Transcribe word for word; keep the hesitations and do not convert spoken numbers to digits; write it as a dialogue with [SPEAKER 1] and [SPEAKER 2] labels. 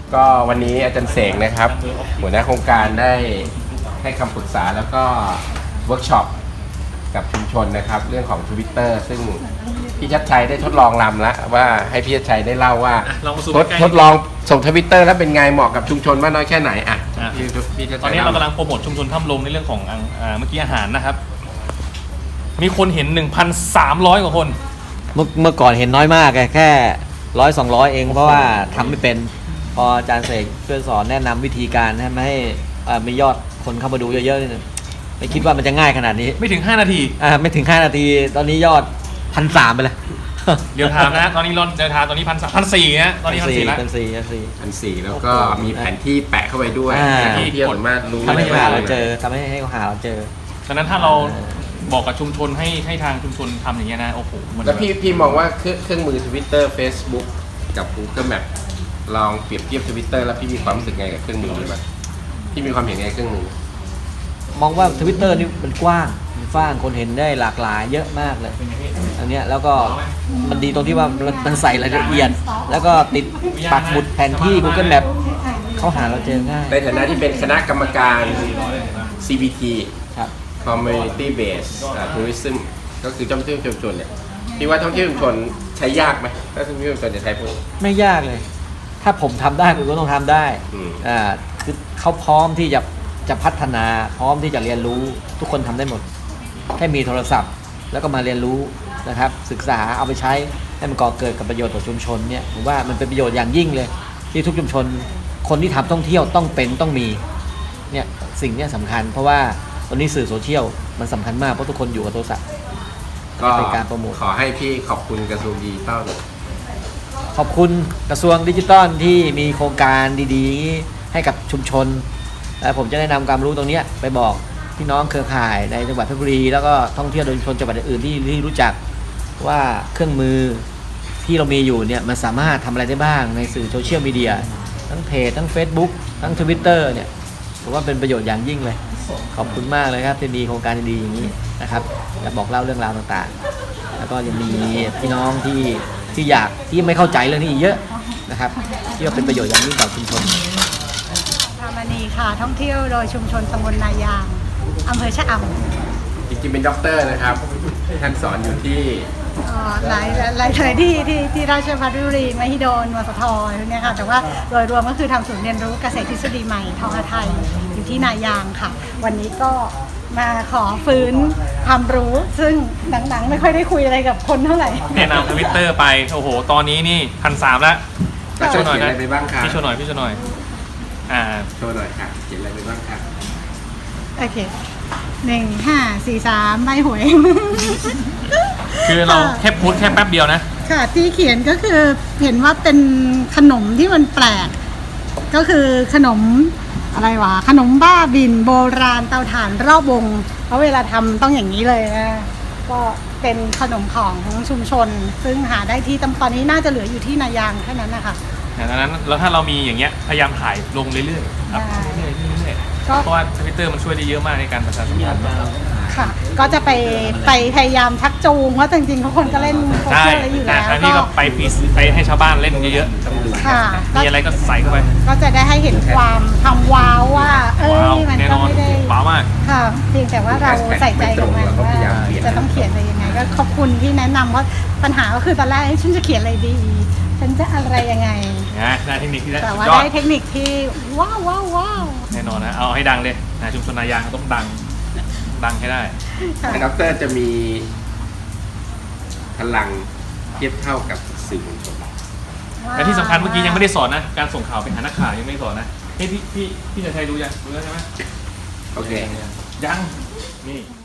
[SPEAKER 1] ก็วันนี้อาจารย์เสกนะครับหัวหน้าโครงการได้ให้คำปรึกษาแล้วก็เวิร์กช็อปกับชุมชนนะครับเรื่องของ Twitter ซึ่งพี่ชัดชัยได้ทดลองรำแล้วว่าให้พี่ชัดชัยได้เล่าว่าทดทดลองส่งทวิตเตอร์แล้วเป็นไงเหมาะกับชุมชนมากน้อยแค่ไหนอ่ะพี่พี่ชัดชัย
[SPEAKER 2] ตอนนี้เรากำลังโปรโมทชุมชนถ้ำลมในเรื่องของอ่าเมื่อกี้อาหารนะครับมีคนเห็น หนึ่งพันสามร้อย กว่าคน
[SPEAKER 3] เมื่อเมื่อก่อนเห็นน้อยมากแค่ร้อยสองร้อยเองเพราะว่าทำไม่เป็นพออาจารย์เสกช่วยสอนแนะนำวิธีการให้ไม่ให้มียอดคนเข้ามาดูเยอะๆไม่คิดว่ามันจะง่ายขนาดนี้
[SPEAKER 2] ไม่ถึงห้านาที
[SPEAKER 3] อ่าไม่ถึงห้านาทีตอนนี้ยอดพันสามไปเลย
[SPEAKER 2] เดี๋ยวถามนะตอนนี้รอนเดี๋ยวถามตอนนี้พันสามพันสี่นะตอนนี้พันสี่แล้ว
[SPEAKER 3] พันสี่พันสี่
[SPEAKER 1] พันสี่แล้วก็มีแผนที่แปะเข้าไปด้วยที่ที่สามารถรู้
[SPEAKER 3] ทำให้หาเราเจอทำให้ให้เขาหาเราเจอ
[SPEAKER 2] ฉะนั้นถ้าเราบอกกับชุมชนให้ให้ทางชุมชนทำอย่างเงี้ยนะโอ้โห
[SPEAKER 1] แล้วพี่พี่มองว่าเครื่องเครื่องมือ Twitter Facebook กับ Google Map ลองเปรียบเทียบ Twitter แล้วพี่มีความรู้สึกไงกับเครื่องมือนี้บ้างพี่มีความเห็นไงเครื่องมือ
[SPEAKER 3] มองว่า Twitter นี่มันกว้างมันฟ้างคนเห็นได้หลากหลายเยอะมากเลยอันเนี้ยแล้วก็มันดีตรงที่ว่ามันใส่รายละเอียดแล้วก็ติดปักหมุดแผนที่ Google Map เขาหาเราเจอง่าย
[SPEAKER 1] ในฐานะที่เป็นคณะกรรมการ ซี บี ที
[SPEAKER 3] ครับ
[SPEAKER 1] Community Based Tourism ก็คือท่องเที่ยวชุมชนเนี่ยพี่ว่าท่องเที่ยวชุมชนใช้ยากไหมถ้าท่องเที่ยวชุมชนจะใช้พวก
[SPEAKER 3] ไม่ยากเลย ถ้าผมทำได้คุณก็ต้องทำได้อ่าคือเขาพร้อมที่จะจะพัฒนาพร้อมที่จะเรียนรู้ทุกคนทำได้หมดแค่มีโทรศัพท์แล้วก็มาเรียนรู้นะครับศึกษาเอาไปใช้ให้มันก่อเกิดกับประโยชน์ต่อชุมชนเนี่ยผมว่ามันเป็นประโยชน์อย่างยิ่งเลยที่ทุกชุมชนคนที่ทำท่องเที่ยวต้องเป็นต้องมีเนี่ยสิ่งนี้สำคัญเพราะว่าตอนนี้สื่อโซเชียลมันสำคัญมากเพราะทุกคนอยู่กับโทรศัพท์
[SPEAKER 1] ก็เป็นการโปรโมทขอให้พี่ขอบคุณกระทรวงดิจิทัล
[SPEAKER 3] ขอบคุณกระทรวงดิจิทัลที่มีโครงการดีๆให้กับชุมชนและผมจะได้นำความรู้ตรงนี้ไปบอกพี่น้องเครือข่ายในจังหวัดเพชรบุรีแล้วก็ท่องเที่ยวโดยชุมชนจังหวัดอื่นที่ที่รู้จักว่าเครื่องมือที่เรามีอยู่เนี่ยมันสามารถทำอะไรได้บ้างในสื่อโซเชียลมีเดียทั้งเพจทั้ง Facebook ทั้ง Twitter เนี่ยผมว่าเป็นประโยชน์อย่างยิ่งเลยขอบคุณมากเลยครับที่มีโครงการดีๆอย่างนี้นะครับจะบอกเล่าเรื่องราวต่างๆแล้วก็ยังมีพี่น้องที่ที่อยากที่ไม่เข้าใจเรื่องนี้อีกเยอะนะครับที่ว่าเป็นประโยชน์อย่างยิ่งต่อชุมชน
[SPEAKER 4] ธามณีค่ะท่องเที่ยวโดยชุมชนตำบลนายางอำเภอชะอำ
[SPEAKER 1] จริงๆเป็นด็อกเตอร์นะครับท่านสอนอยู่ที่
[SPEAKER 4] หลายหลายเลยที่ที่ที่ราชภัฏบุรีมหิดลมสทเนี่ยค่ะแต่ว่าโดยรวมก็คือทำศูนย์เรียนรู้เกษตรทฤษฎีใหม่ทองไทยอยู่ที่นายางค่ะวันนี้ก็มาขอฟื้นความรู้ซึ่งหนังๆไม่ค่อยได้คุยอะไรกับคนเท่าไหร่
[SPEAKER 2] แนะนำทวิตเตอร์ไปโอ้โหตอนนี้นี่พันสามแล้ว
[SPEAKER 1] โชว์หน่อยนะ
[SPEAKER 2] พี่โชว์หน่อยพี่โชว์หน่อยอ่า
[SPEAKER 1] โชว์หน่อยค่ะเขียนอะไรไปบ้างครับ
[SPEAKER 4] โอเคหนึ่งห้าสี่สามใบหวย
[SPEAKER 2] คือเราแค่พูดแค่แป๊บเดียวนะ
[SPEAKER 4] ค่ะที่เขียนก็คือเห็นว่าเป็นขนมที่มันแปลกก็คือขนมอะไรวะขนมบ้าบินโบราณเตาถ่านรอบวงเพราะเวลาทำต้องอย่างนี้เลยนะก็เป็นขนมของชุมชนซึ่งหาได้ที่ตอนนี้น่าจะเหลืออยู่ที่นายางแค่นั้นนะคะ
[SPEAKER 2] ดังนั้นแล้วถ้าเรามีอย่างเงี้ยพยายามถ่ายลงเรื่อยๆครับเรื่อยๆเพราะว่าทวิตเตอร์มันช่วยได้เยอะมากในการประชาสัมพันธ์
[SPEAKER 4] ค่ะก็จะไปไปพยายามชักจูงเพราะจริงๆทุกคนก็เล่นโซเชียลอยู่แล้ว
[SPEAKER 2] ก็นี่ก็ไปพีซไปให้ชาวบ้านเล่นเยอะ
[SPEAKER 4] ๆค่ะ
[SPEAKER 2] มีอะไรก็ใส่เข้าไป
[SPEAKER 4] ก็จะได้ให้เห็นความทำว้าวว่าเอ้ยมันก็ไม่ได้
[SPEAKER 2] ว้าวมาก
[SPEAKER 4] ค่ะเพียงแต่ว่าเราใส่ใจกับมันว่าจะต้องเขียนอะไรยังไงก็ขอบคุณที่แนะนำเพราะปัญหาก็คือตอนแรกฉันจะเขียนอะไรดีฉันจะอะไรยังไง
[SPEAKER 2] นะได้เทคนิคที่
[SPEAKER 4] แต่ว่าได้เทคนิคที่ว้าวว้าวว้าว
[SPEAKER 2] แน่นอนนะเอาให้ดังเลยนะชุมชนนายางต้องดังดังให้ได้
[SPEAKER 1] ด็อกเตอร์จะมีพลังเทียบเท่ากับสื่อมวลชน
[SPEAKER 2] และที่สำคัญเมื่อกี้ยังไม่ได้สอนนะการส่งข่าวไปหานักข่าวยังไม่ได้สอนนะเฮ้ยพี่พี่พี่จะใช้รู้ยังรู้แล้วใช่ไหม
[SPEAKER 1] โอเค
[SPEAKER 2] ยังนี่